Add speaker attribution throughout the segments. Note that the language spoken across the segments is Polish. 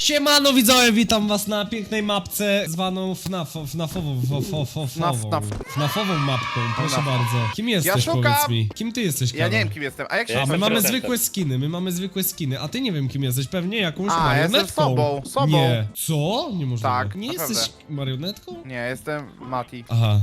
Speaker 1: Siemano widzowie, witam was na pięknej mapce zwaną FNAFową mapką, proszę bardzo. Kim jesteś, powiedz mi? Kim ty jesteś, Karol?
Speaker 2: Ja nie wiem kim jestem, a jak się...
Speaker 1: A my mamy zwykłe skiny, a ty nie wiem kim jesteś, pewnie jakąś
Speaker 2: ja jestem
Speaker 1: marionetką.
Speaker 2: sobą.
Speaker 1: Nie. Co? Niemożliwe.
Speaker 2: Tak,
Speaker 1: nie
Speaker 2: naprawdę.
Speaker 1: jesteś marionetką?
Speaker 2: Nie, jestem Mati.
Speaker 1: Aha.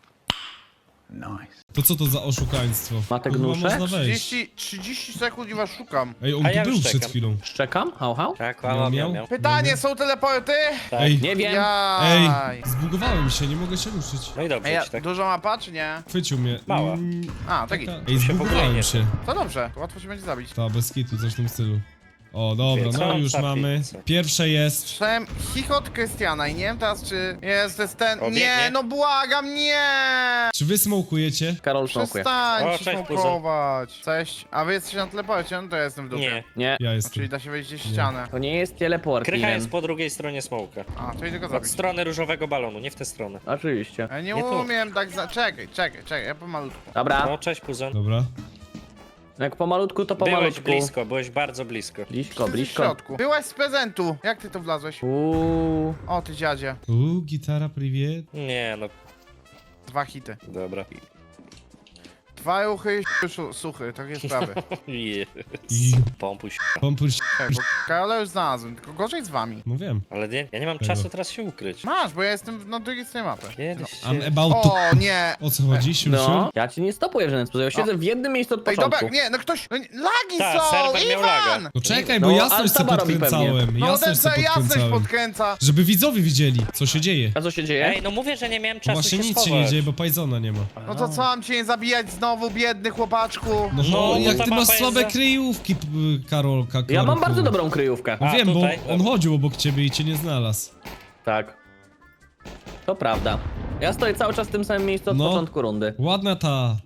Speaker 1: To co to za oszukaństwo?
Speaker 3: Matek
Speaker 1: Kurwa,
Speaker 3: Gnuszek?
Speaker 1: można wejść.
Speaker 2: 30 sekund i was szukam.
Speaker 1: Ej, on
Speaker 4: A
Speaker 1: tu
Speaker 4: ja
Speaker 1: był
Speaker 4: już
Speaker 1: przed
Speaker 4: czekam.
Speaker 1: chwilą.
Speaker 3: Szczekam? Hał, hał?
Speaker 4: Tak,
Speaker 1: Miał?
Speaker 2: Pytanie, są teleporty?
Speaker 4: Tak.
Speaker 1: Ej,
Speaker 3: Nie wiem.
Speaker 2: Jaj.
Speaker 1: zbugowałem się, nie mogę się ruszyć.
Speaker 4: No i dobrze,
Speaker 2: Ej,
Speaker 4: ci tak.
Speaker 2: dużo mapa, czy nie?
Speaker 1: Chwycił mnie.
Speaker 4: Mała.
Speaker 2: A, tak i...
Speaker 1: Ej,
Speaker 4: się w ogóle
Speaker 1: zbugowałem
Speaker 4: nie
Speaker 1: się.
Speaker 2: To dobrze, to łatwo się będzie zabić.
Speaker 1: Ta, bez kitu, coś w tym stylu. O, dobra,
Speaker 4: Co
Speaker 1: no
Speaker 4: on
Speaker 1: już
Speaker 4: za
Speaker 1: mamy.
Speaker 4: pizza?
Speaker 1: Pierwsze jest.
Speaker 2: Słyszałem chichot Krystiana i nie wiem teraz, czy jest ten...
Speaker 4: Obiegnie.
Speaker 2: Nie, no błagam, nie!
Speaker 1: Czy wy smokujecie?
Speaker 3: Karol smokuje.
Speaker 4: O,
Speaker 2: Przestańcie
Speaker 4: cześć,
Speaker 2: smokować. Cześć. A wy jesteście na teleporcie, no to ja jestem w dupie.
Speaker 4: Nie.
Speaker 3: Nie,
Speaker 1: Ja
Speaker 2: No,
Speaker 1: jestem.
Speaker 2: czyli da się wejść gdzieś w ścianę.
Speaker 3: to nie jest teleport,
Speaker 4: Krycha
Speaker 3: Iren.
Speaker 4: jest po drugiej stronie smołka.
Speaker 2: A, to idę go
Speaker 4: Od
Speaker 2: zabić.
Speaker 4: strony różowego balonu, nie w tę stronę.
Speaker 3: Oczywiście.
Speaker 2: Ja nie
Speaker 4: Nie tu.
Speaker 2: umiem tak za... Czekaj, ja pomalutku.
Speaker 3: Dobra,
Speaker 4: No, cześć Puzon.
Speaker 1: Dobra.
Speaker 3: jak pomalutku, to
Speaker 4: Byłeś
Speaker 3: pomalutku.
Speaker 4: blisko, byłeś bardzo blisko.
Speaker 3: Blisko,
Speaker 2: Ty w
Speaker 3: blisko.
Speaker 2: środku. Byłaś z prezentu. Jak ty to wlazłeś?
Speaker 3: Uuu.
Speaker 2: O, ty dziadzie.
Speaker 1: Gitara, priwiet.
Speaker 4: Nie, no,
Speaker 2: 2 hity.
Speaker 4: dobra.
Speaker 2: 2 ruchy, suchy, takie sprawy.
Speaker 1: I
Speaker 4: Pompuś.
Speaker 1: pompuść.
Speaker 2: Czekaj, bo Karola już znalazłem, tylko gorzej z wami.
Speaker 1: No wiem.
Speaker 4: Ale nie, ja nie mam czasu teraz się ukryć.
Speaker 2: Masz, bo ja jestem na drugiej stronie mapy.
Speaker 4: Kiedyś się...
Speaker 1: I'm about to...
Speaker 2: O, nie!
Speaker 1: O co chodzi, siusiu?
Speaker 3: No, ja ci nie stopuję w żaden sposób. Ja siedzę w jednym miejscu od
Speaker 2: Ej, dobra,
Speaker 3: początku.
Speaker 2: nie, no ktoś... No, lagi
Speaker 4: Ta,
Speaker 2: są!
Speaker 4: serwer miał laga.
Speaker 2: Iwan!
Speaker 1: No czekaj,
Speaker 3: No,
Speaker 1: bo jasność se
Speaker 3: Altaba robi
Speaker 1: podkręcałem.
Speaker 2: No
Speaker 1: Jasność
Speaker 2: ten
Speaker 1: se
Speaker 2: co jasność
Speaker 1: podkręcałem.
Speaker 2: podkręca.
Speaker 1: Żeby widzowie widzieli, co się dzieje.
Speaker 3: A co się dzieje?
Speaker 4: Ej, no mówię, że nie miałem czasu
Speaker 1: Właśnie
Speaker 4: się
Speaker 1: nic się
Speaker 4: schować.
Speaker 1: nie dzieje, bo Pajzona nie ma.
Speaker 2: No to co, mam cię nie zabijać znowu, biedny chłopaczku?
Speaker 1: No,
Speaker 4: No,
Speaker 1: jak
Speaker 4: ta
Speaker 1: ty masz
Speaker 4: mapa
Speaker 1: słabe
Speaker 4: jest za-
Speaker 1: kryjówki, Karolka,
Speaker 3: Ja mam
Speaker 1: Korku.
Speaker 3: bardzo dobrą kryjówkę.
Speaker 1: No
Speaker 4: A,
Speaker 1: wiem,
Speaker 4: tutaj?
Speaker 1: bo on chodził obok ciebie i cię nie znalazł.
Speaker 3: Tak. To prawda. Ja stoję cały czas w tym samym miejscu od
Speaker 1: No.
Speaker 3: początku rundy.
Speaker 1: Ładna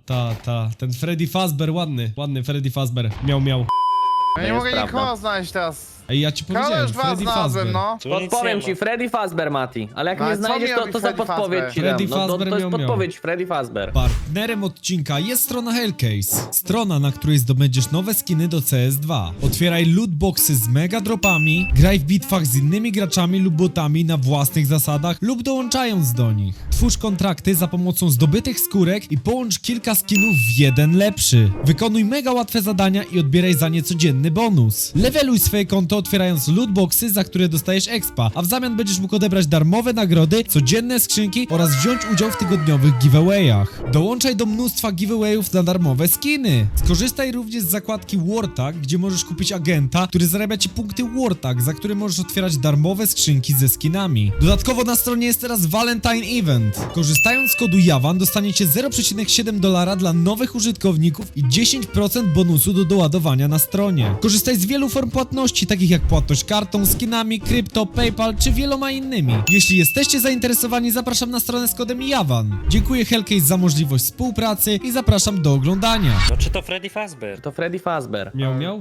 Speaker 1: ten Freddy Fazbear, ładny Freddy Fazbear. Miał.
Speaker 2: Ja
Speaker 3: To
Speaker 2: nie
Speaker 3: jest
Speaker 2: mogę
Speaker 3: prawda.
Speaker 2: nikogo znaleźć teraz.
Speaker 1: Ej, ja ci
Speaker 2: Karola
Speaker 1: powiedziałem,
Speaker 2: już was
Speaker 1: Freddy
Speaker 2: znalazłem,
Speaker 1: Fazbear.
Speaker 2: no.
Speaker 4: Tu nic
Speaker 3: Podpowiem
Speaker 4: nie
Speaker 3: ci,
Speaker 4: ma.
Speaker 3: Freddy Fazbear, Mati. Ale jak
Speaker 2: No,
Speaker 3: nie
Speaker 2: ale co
Speaker 3: znajdziesz,
Speaker 2: mi
Speaker 3: to,
Speaker 2: robi
Speaker 3: to za
Speaker 2: Freddy
Speaker 3: podpowiedź
Speaker 2: Fazbear?
Speaker 3: ci dam.
Speaker 1: Freddy
Speaker 3: No, to
Speaker 1: Fazbear
Speaker 3: jest
Speaker 1: miał.
Speaker 3: podpowiedź Freddy Fazbear.
Speaker 1: Partnerem odcinka jest strona Hellcase. Strona, na której zdobędziesz nowe skiny do CS2. Otwieraj lootboxy z mega dropami, graj w bitwach z innymi graczami lub botami na własnych zasadach lub dołączając do nich. Twórz kontrakty za pomocą zdobytych skórek i połącz kilka skinów w jeden lepszy. Wykonuj mega łatwe zadania i odbieraj za nie codzienny bonus. Leveluj swoje konto otwierając lootboxy, za które dostajesz expa, a w zamian będziesz mógł odebrać darmowe nagrody, codzienne skrzynki oraz wziąć udział w tygodniowych giveawayach. Dołączaj do mnóstwa giveawayów na darmowe skiny. Skorzystaj również z zakładki Wartag, gdzie możesz kupić agenta, który zarabia ci punkty Wartag, za które możesz otwierać darmowe skrzynki ze skinami. Dodatkowo na stronie jest teraz Valentine Event. Korzystając z kodu JAWAN dostaniecie $0,7 dla nowych użytkowników i 10% bonusu do doładowania na stronie. Korzystaj z wielu form płatności, takich jak płatność kartą, skinami, krypto, PayPal czy wieloma innymi. Jeśli jesteście zainteresowani, zapraszam na stronę z kodem JAWAN. Dziękuję Hellcase za możliwość współpracy i zapraszam do oglądania.
Speaker 4: No czy to Freddy Fazbear?
Speaker 3: To Freddy Fazbear.
Speaker 1: Miał?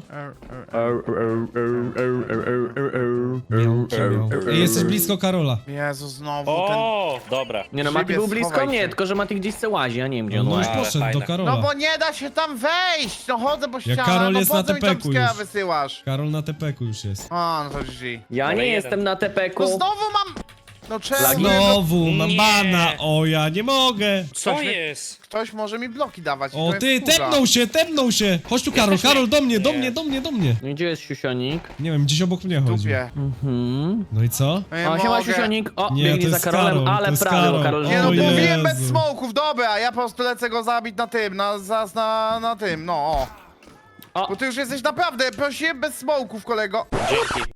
Speaker 1: Ej, jesteś blisko Karola.
Speaker 2: Jezu, znowu ten...
Speaker 4: O, dobra.
Speaker 3: Nie no,
Speaker 2: Szybie,
Speaker 3: Mati był blisko
Speaker 2: schowaj
Speaker 3: mnie,
Speaker 2: się.
Speaker 3: tylko że Mati gdzieś se łazi, ja nie wiem gdzie on
Speaker 1: No już
Speaker 3: łazi.
Speaker 4: Ale
Speaker 1: poszedł do
Speaker 4: fajne.
Speaker 1: Karola.
Speaker 2: No bo nie da się tam wejść! No chodzę po ścianach,
Speaker 1: Karol
Speaker 2: no
Speaker 1: jest
Speaker 2: po
Speaker 1: na
Speaker 2: co mi tam
Speaker 1: tepeku
Speaker 2: skilla
Speaker 1: już.
Speaker 2: wysyłasz?
Speaker 1: Karol na tepeku już jest.
Speaker 2: A, no to GG.
Speaker 3: Ja
Speaker 4: Ale
Speaker 3: nie
Speaker 4: jeden.
Speaker 3: jestem na tepeku.
Speaker 2: No znowu mam... No czemu?
Speaker 3: Lagi.
Speaker 1: Znowu, mam
Speaker 4: Nie.
Speaker 1: bana. O, ja nie mogę.
Speaker 4: Co
Speaker 2: Ktoś mi-
Speaker 4: jest?
Speaker 2: Ktoś może mi bloki dawać. i
Speaker 1: O,
Speaker 2: to
Speaker 1: ty,
Speaker 2: jest wkurza.
Speaker 1: tepnął się. Chodź tu, Karol,
Speaker 4: Jesteśmy-
Speaker 1: Karol, do mnie,
Speaker 4: Nie.
Speaker 3: Gdzie jest siusionik?
Speaker 1: Nie wiem, gdzieś obok mnie chodzi.
Speaker 2: Dupie.
Speaker 1: No i co?
Speaker 2: Nie
Speaker 3: O, siema
Speaker 2: mogę.
Speaker 3: siusionik. O,
Speaker 1: Nie,
Speaker 3: biegnie
Speaker 1: to
Speaker 3: za
Speaker 1: jest
Speaker 3: Karolem,
Speaker 1: Karol, to
Speaker 3: ale
Speaker 1: jest
Speaker 3: prawie, bo
Speaker 1: Karol.
Speaker 3: Karol
Speaker 2: Nie no,
Speaker 1: O
Speaker 2: mówiłem bez
Speaker 1: Jezu.
Speaker 2: smoków, dobra, ja po prostu lecę go zabić na tym, na tym, no o.
Speaker 3: O.
Speaker 2: Bo ty już jesteś naprawdę, prosiłem bez smoków, kolego.
Speaker 4: Dzięki.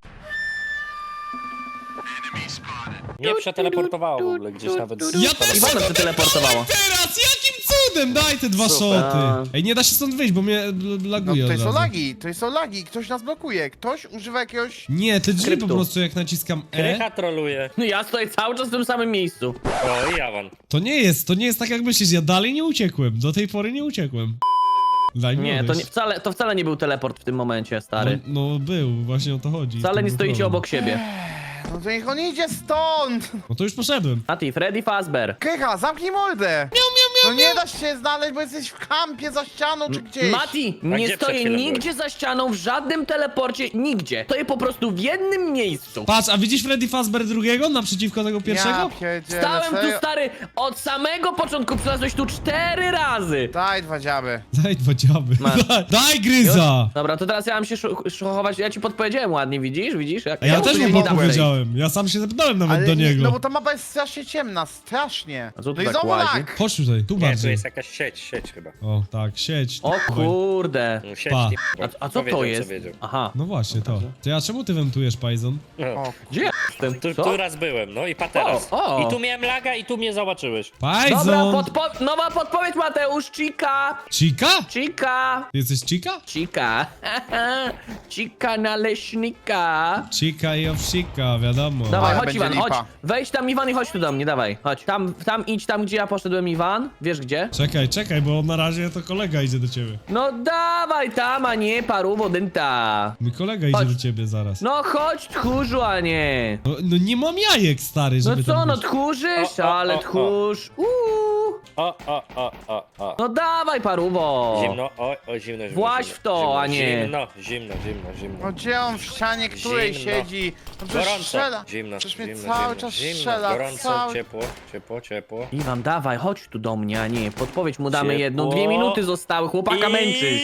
Speaker 4: Mnie przeteleportowało w ogóle gdzieś nawet.
Speaker 1: Ja też
Speaker 3: Iwana się teleportowało.
Speaker 1: teraz! Jakim cudem? Daj te dwa
Speaker 4: Super.
Speaker 1: szoty. Ej, nie da się stąd wyjść, bo mnie
Speaker 2: No
Speaker 1: laguje
Speaker 2: to
Speaker 1: od
Speaker 2: są
Speaker 1: razu.
Speaker 2: lagi, to są lagi, ktoś nas blokuje, ktoś używa jakiegoś...
Speaker 1: Nie, te drzwi
Speaker 3: Kryptu.
Speaker 1: po prostu jak naciskam E,
Speaker 4: Krycha troluje.
Speaker 3: No ja stoję cały czas w tym samym miejscu.
Speaker 4: O, i Jawan.
Speaker 1: to nie jest tak jak myślisz, ja dalej nie uciekłem, do tej pory nie uciekłem. Daj mi
Speaker 3: Nie, to,
Speaker 1: odejść.
Speaker 3: to wcale nie był teleport w tym momencie, stary.
Speaker 1: No był, właśnie o to chodzi.
Speaker 3: Wcale
Speaker 1: To
Speaker 3: nie
Speaker 1: był
Speaker 3: stoicie
Speaker 1: problem.
Speaker 3: obok siebie.
Speaker 2: No to niech on idzie stąd!
Speaker 1: No to już poszedłem.
Speaker 3: Mati, Freddy Fazbear.
Speaker 2: Krycha, zamknij mordę! No nie da się znaleźć, bo jesteś w kampie za ścianą czy gdzieś.
Speaker 3: Mati,
Speaker 4: A
Speaker 3: nie
Speaker 4: gdzie przed
Speaker 3: stoję
Speaker 4: chwilą
Speaker 3: nigdzie za ścianą, w żadnym teleporcie, nigdzie. Stoję po prostu w jednym miejscu.
Speaker 1: Patrz, a widzisz Freddy Fazbear drugiego naprzeciwko tego pierwszego?
Speaker 2: Ja pierdzielę,
Speaker 3: Stałem tu,
Speaker 2: serio?
Speaker 3: stary, od samego początku, przylazłeś tu 4 razy.
Speaker 2: Daj 2 dziaby.
Speaker 1: Daj 2 dziaby.
Speaker 3: Masz.
Speaker 1: Daj gryza!
Speaker 3: Dobra, to teraz ja mam się szokować, ja ci podpowiedziałem ładnie, widzisz? Widzisz?
Speaker 1: A ja
Speaker 3: tu
Speaker 1: też
Speaker 3: nie
Speaker 1: mu
Speaker 3: dam wejść.
Speaker 1: powiedziałem. Ja sam się zapytałem nawet
Speaker 2: Ale
Speaker 1: do
Speaker 2: nie,
Speaker 1: niego.
Speaker 2: no bo ta mapa jest strasznie ciemna, strasznie.
Speaker 3: A co tu
Speaker 2: No i
Speaker 3: tak
Speaker 2: znowu
Speaker 3: łazi?
Speaker 2: lag.
Speaker 1: Chodź tutaj, tu
Speaker 4: Nie, tu
Speaker 1: bardziej.
Speaker 4: jest jakaś sieć chyba.
Speaker 1: O, tak, sieć.
Speaker 3: O
Speaker 1: Dawaj.
Speaker 3: kurde.
Speaker 4: No, sieć,
Speaker 1: Pa.
Speaker 4: nie,
Speaker 3: A co
Speaker 4: wiedział,
Speaker 3: to jest?
Speaker 4: Co wiedział.
Speaker 3: Aha.
Speaker 1: No właśnie, to. To a czemu ty wentujesz, Pajzon?
Speaker 4: No.
Speaker 2: O,
Speaker 3: Gdzie ja jestem?
Speaker 4: Tu,
Speaker 3: Co?
Speaker 4: tu raz byłem, no i pa teraz.
Speaker 3: O.
Speaker 4: I tu miałem laga i tu mnie zobaczyłeś.
Speaker 3: Dobra,
Speaker 1: Pajzon!
Speaker 3: nowa podpowiedź, Mateusz, Chica!
Speaker 1: Chica?
Speaker 3: Chica!
Speaker 1: Ty jesteś Chica?
Speaker 3: Chica! Chica naleśnika!
Speaker 1: Chica i owsika, wiadomo.
Speaker 3: Dawaj,
Speaker 2: Ale
Speaker 3: chodź
Speaker 2: będzie
Speaker 3: Iwan,
Speaker 2: lipa.
Speaker 3: chodź. Wejdź tam Iwan i chodź tu do mnie, dawaj, chodź. Tam idź tam, gdzie ja poszedłem, Iwan. Wiesz gdzie?
Speaker 1: Czekaj, bo na razie to kolega idzie do ciebie.
Speaker 3: No dawaj tam, a nie paru dynta.
Speaker 1: Mój kolega idzie
Speaker 3: Chodź.
Speaker 1: do ciebie zaraz.
Speaker 3: No chodź tchórzu, a nie.
Speaker 1: No nie mam jajek, stary,
Speaker 3: No
Speaker 1: żeby
Speaker 3: co,
Speaker 1: tam
Speaker 3: no
Speaker 1: być.
Speaker 3: tchórzysz?
Speaker 4: O,
Speaker 3: Ale
Speaker 4: o.
Speaker 3: tchórz.
Speaker 4: O.
Speaker 3: No dawaj paruwo.
Speaker 4: Zimno, zimno.
Speaker 3: Właź
Speaker 4: zimno,
Speaker 3: w to,
Speaker 4: zimno,
Speaker 3: a nie.
Speaker 4: Zimno.
Speaker 2: no gdzie on w ścianie, której
Speaker 4: Zimno.
Speaker 2: siedzi? No przecież
Speaker 4: Gorąco.
Speaker 2: strzela.
Speaker 4: Zimno,
Speaker 2: Przecież mnie
Speaker 4: zimno,
Speaker 2: cały
Speaker 4: zimno,
Speaker 2: czas
Speaker 4: zimno,
Speaker 2: strzela,
Speaker 4: gorąco,
Speaker 2: cały...
Speaker 4: ciepło.
Speaker 3: Iwan, dawaj, chodź tu do mnie, a nie. Podpowiedź mu damy
Speaker 4: Ciepło.
Speaker 3: jedną, 2 minuty zostały, chłopaka męczysz.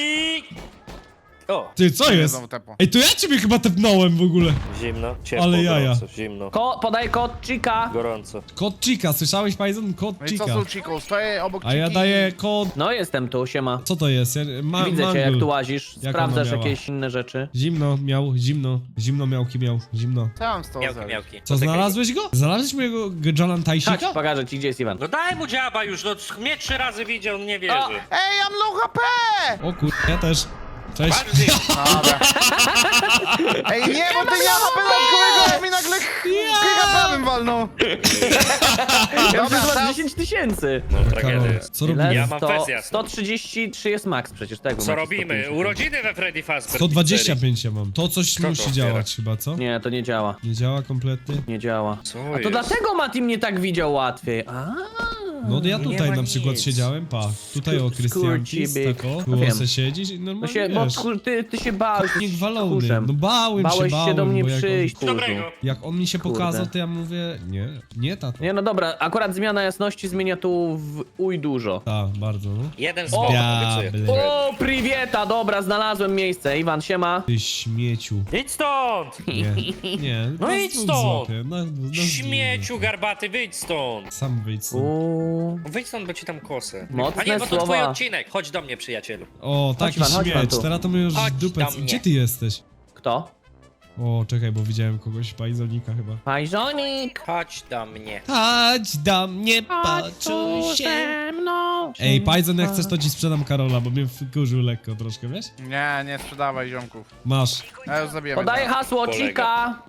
Speaker 4: O,
Speaker 1: Ty, co jest?
Speaker 2: Znowu tepło.
Speaker 1: Ej, to ja ciebie chyba tepnąłem w ogóle.
Speaker 4: zimno, ciepło,
Speaker 1: Ale jaja.
Speaker 4: gorąco, zimno,
Speaker 3: Podaj kod Chica.
Speaker 4: gorąco.
Speaker 1: Kod Chica, słyszałeś, Pajzon? Kod
Speaker 2: No i co
Speaker 1: Chica.
Speaker 2: z Chico? Stoję obok
Speaker 1: A ja
Speaker 2: Chiki.
Speaker 1: daję kod...
Speaker 3: No jestem tu, siema.
Speaker 1: Co to jest?
Speaker 3: Widzę cię, jak
Speaker 1: mangul.
Speaker 3: tu łazisz.
Speaker 1: Jak
Speaker 3: Sprawdzasz
Speaker 1: ona miała?
Speaker 3: jakieś inne rzeczy.
Speaker 1: Zimno miał, zimno miałki miał, zimno.
Speaker 2: Co ja mam z tą
Speaker 4: Miałki,
Speaker 2: zrobić?
Speaker 4: miałki.
Speaker 1: Co, znalazłeś go? Znalazłeś mojego Jalan
Speaker 3: Chodź,
Speaker 1: Tajsika?
Speaker 3: pokażę ci, gdzie jest Iwan.
Speaker 4: No daj mu dziaba już, no mnie 3 razy widział, on nie wierzy.
Speaker 2: Ej, mam low HP!
Speaker 1: O kur... ja też. Cześć.
Speaker 4: Bardziej.
Speaker 2: Dobra. Ej, nie, bo ty nie ma dodatkowego, a mi nagle giga prawym walnął.
Speaker 3: Ja
Speaker 2: Dobra,
Speaker 3: już
Speaker 2: teraz...
Speaker 3: 10 tysięcy.
Speaker 4: No
Speaker 1: Karol,
Speaker 4: tragedia jest.
Speaker 1: co
Speaker 3: Ile?
Speaker 1: robimy?
Speaker 4: Ja mam
Speaker 3: 100,
Speaker 4: wersję jasną.
Speaker 3: 133 jest max przecież, tego.
Speaker 4: Co robimy? Urodziny we Freddy Fazbear
Speaker 1: 125 ja mam. To coś
Speaker 4: Kto to
Speaker 1: musi
Speaker 4: otwiera?
Speaker 1: działać chyba, co?
Speaker 3: Nie, to nie działa.
Speaker 1: Nie działa kompletnie?
Speaker 3: Nie działa.
Speaker 4: Co
Speaker 3: A to
Speaker 4: jest?
Speaker 3: dlatego Mati mnie tak widział łatwiej. A.
Speaker 1: No ja
Speaker 4: Nie
Speaker 1: tutaj
Speaker 4: ma
Speaker 1: na przykład
Speaker 4: nic.
Speaker 1: siedziałem, pa. Tutaj o Krystianki,
Speaker 3: Skurczybyk.
Speaker 1: tako.
Speaker 3: No
Speaker 1: Było
Speaker 3: wiem.
Speaker 1: se siedzieć i
Speaker 3: Bo,
Speaker 1: normalnie
Speaker 3: się, bo
Speaker 1: wiesz.
Speaker 3: ty się bałeś.
Speaker 1: Nie
Speaker 3: jesteś
Speaker 1: gwalony.
Speaker 3: tchórzem.
Speaker 1: No bałem
Speaker 3: Bałeś się do mnie
Speaker 1: bo jak
Speaker 3: przyjść,
Speaker 1: on,
Speaker 3: tchórzu.
Speaker 4: Dobrego.
Speaker 1: jak on mi się
Speaker 3: Kurde.
Speaker 1: pokazał, to ja mówię, nie tato.
Speaker 3: Nie, no dobra, akurat zmiana jasności zmienia tu w uj dużo.
Speaker 1: Tak, bardzo, no.
Speaker 4: Jeden spot, obiecuję.
Speaker 1: Diable.
Speaker 3: O, priwieta, dobra, znalazłem miejsce. Iwan, siema.
Speaker 1: Ty śmieciu.
Speaker 4: Idź stąd!
Speaker 1: Nie.
Speaker 4: No
Speaker 1: na
Speaker 4: idź
Speaker 1: dwóch
Speaker 4: stąd.
Speaker 1: złapię, na
Speaker 4: Śmieciu garbaty, wyjdź stąd!
Speaker 1: Sam wyjdź stąd.
Speaker 3: Uuu.
Speaker 4: Wyjdź stąd, bo ci tam kosę.
Speaker 3: Mocne
Speaker 4: A nie, bo to
Speaker 3: słowa.
Speaker 4: twój odcinek. Chodź do mnie, przyjacielu.
Speaker 1: O, taki
Speaker 3: Iwan, chodź Iwan
Speaker 1: śmieć.
Speaker 3: tu.
Speaker 1: Teraz to my już
Speaker 4: Chodź
Speaker 1: dupę...
Speaker 4: do mnie.
Speaker 1: Gdzie ty jesteś?
Speaker 3: Kto?
Speaker 1: O, czekaj, bo widziałem kogoś, Pajzonika chyba.
Speaker 3: Pajzonik.
Speaker 4: Chodź do mnie.
Speaker 1: Chodź do mnie, poczuj się.
Speaker 3: mną.
Speaker 1: Ej, Pajzon, jak chcesz, to ci sprzedam Karola, bo mnie wkurzył lekko troszkę, wiesz?
Speaker 2: Nie sprzedawaj ziomków.
Speaker 1: Masz.
Speaker 2: Ja już zabiję.
Speaker 3: Podaję hasło
Speaker 4: Kolega.
Speaker 3: Chica.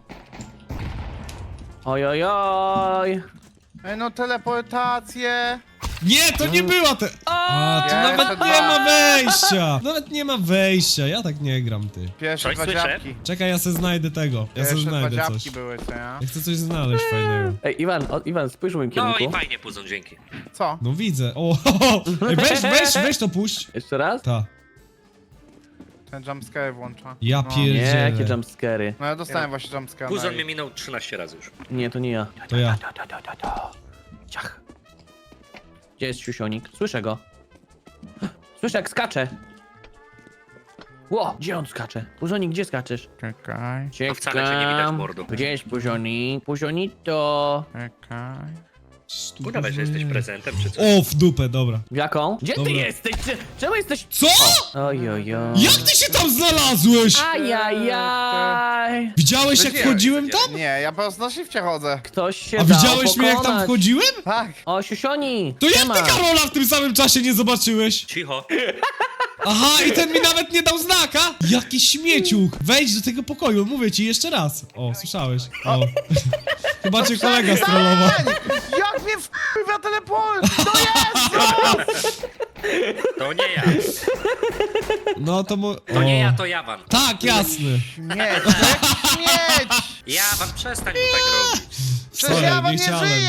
Speaker 3: Ojojoj.
Speaker 2: Ej, no teleportację.
Speaker 1: Nie, to nie była te... A, tu
Speaker 2: Ja
Speaker 1: nawet
Speaker 2: jeszcze
Speaker 1: nie
Speaker 2: dwa.
Speaker 1: ma wejścia! Nawet nie ma wejścia, ja tak nie gram, ty.
Speaker 2: Pierwsze
Speaker 4: Coś
Speaker 2: 2
Speaker 4: słyszę?
Speaker 2: dziabki.
Speaker 1: Czekaj, ja se znajdę tego. Ja se
Speaker 2: Pierwsze 2
Speaker 1: znajdę
Speaker 2: dziabki
Speaker 1: coś.
Speaker 2: były, co ja?
Speaker 1: Ja chcę coś znaleźć fajnego.
Speaker 3: Ej, Iwan, spójrz w moim
Speaker 4: No
Speaker 3: kierunku.
Speaker 4: i fajnie, Puzon, dzięki.
Speaker 2: Co?
Speaker 1: No widzę. O, Ej, weź to puść.
Speaker 3: Jeszcze raz?
Speaker 1: Ta.
Speaker 2: Ten jumpscare włącza.
Speaker 1: Ja
Speaker 2: No.
Speaker 1: pier-
Speaker 3: Nie, jakie
Speaker 1: Pierdziele.
Speaker 3: jumpscary.
Speaker 2: No ja dostałem właśnie jumpscare.
Speaker 4: Puzon mnie minął 13 razy już.
Speaker 3: Nie, to nie ja.
Speaker 1: To ja.
Speaker 3: Ciach. Gdzie jest siusionik? Słyszę go. Słyszę jak skacze. Ło, gdzie on skacze? Puzonik, gdzie skaczesz?
Speaker 2: Czekaj,
Speaker 4: To wcale cię nie widać, mordo.
Speaker 3: Gdzie jest Puzonik? Puzonito.
Speaker 2: czekaj.
Speaker 4: Udawaj, że jesteś prezentem czy coś.
Speaker 1: O, w dupę, dobra.
Speaker 3: W jaką? Gdzie
Speaker 1: Dobra.
Speaker 3: ty jesteś? Czemu jesteś...
Speaker 1: Co?
Speaker 3: Ojojoj.
Speaker 1: Jak ty się tam znalazłeś?
Speaker 3: Ajajaj.
Speaker 1: Widziałeś jak
Speaker 2: Widziałem,
Speaker 1: wchodziłem tam?
Speaker 2: Nie, ja po prostu na shifcie chodzę.
Speaker 3: Ktoś się
Speaker 1: A
Speaker 3: dał
Speaker 1: widziałeś mnie jak tam
Speaker 3: pokonać.
Speaker 1: wchodziłem?
Speaker 2: Tak.
Speaker 3: O, siusioni.
Speaker 1: To jak
Speaker 3: siema.
Speaker 1: ty Karola w tym samym czasie nie zobaczyłeś?
Speaker 4: Cicho.
Speaker 1: Aha, i ten mi nawet nie dał znaka? Jaki śmieciuch! Wejdź do tego pokoju, mówię ci jeszcze raz. O, słyszałeś? O. Chyba cię kolega strollował.
Speaker 2: Jak mnie wpływa teleport! To jest!
Speaker 4: To nie ja.
Speaker 1: No to mu...
Speaker 4: To nie ja, to Jawan.
Speaker 1: Tak, jasny.
Speaker 2: Śmieć, jak śmieć!
Speaker 4: Jawan, przestań mu tak robić.
Speaker 2: Przecież
Speaker 1: Sorry,
Speaker 2: ja wam
Speaker 1: nie
Speaker 2: nie
Speaker 1: chciałem.
Speaker 2: żyję, kurwa!